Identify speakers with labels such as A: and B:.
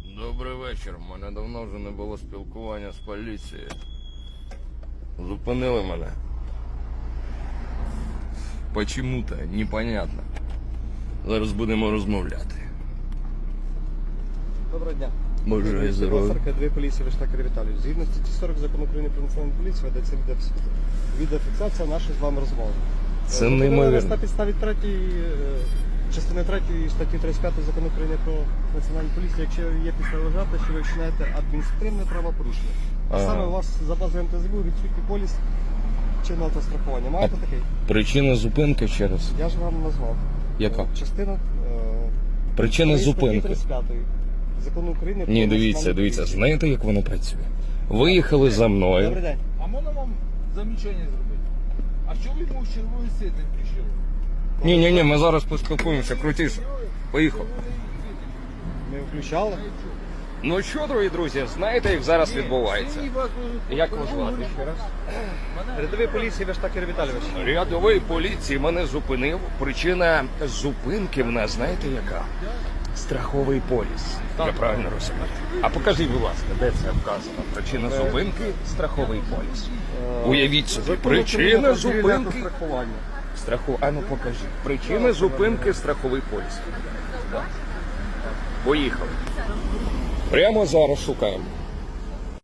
A: Добрий вечір. У мене давно вже не було спілкування з поліцією. Зупинили мене. Почему-то, непонятно. Зараз будемо розмовляти.
B: Доброго дня.
A: Бажаю здоров'я.
B: 42 поліції Виштакер Віталій. Згідно статті 40 Закону України про національну поліцію ведеться відеофіксація нашої з вами розмови.
A: Це
B: Зупинили нас
A: неймовірно.
B: на підставі частини 3 статті 35 Закону України про національну поліцію, якщо є підстави вважати, що ви вчинаєте адміністративне правопорушення. А
A: Ага.
B: саме у вас за базою МТЗБ відсутній поліс чинного автострахування. Маєте такий?
A: Причина зупинки ще раз.
B: Я ж вам назвав.
A: Яка?
B: Частина
A: Причина
B: статті
A: зупинки.
B: 35 Закону України про
A: Ні,
B: національну
A: дивіться,
B: поліцію.
A: знаєте, як воно працює? Виїхали за
B: Добрий
A: мною.
B: день.
C: А можна вам замічання зробити? А що ви йому з червоний світ не включили?
A: Ні, ми зараз поспілкуємося, крутіше. Поїхав.
B: Ми включали.
A: Ну що, дорогі друзі, знаєте, як зараз відбувається? Як вас звати ще раз?
B: Рядовий поліції Виштакер Віталійович.
A: Рядовий поліції мене зупинив. Причина зупинки в нас, знаєте яка? Страховий поліс. Я правильно розумію. А покажіть, будь ласка, де це вказано? Причина зупинки – страховий поліс. Уявіть собі, причина зупинки
B: Страхування.
A: А ну покажіть. Причина зупинки – страховий поліс. Поїхали. Прямо зараз шукаємо.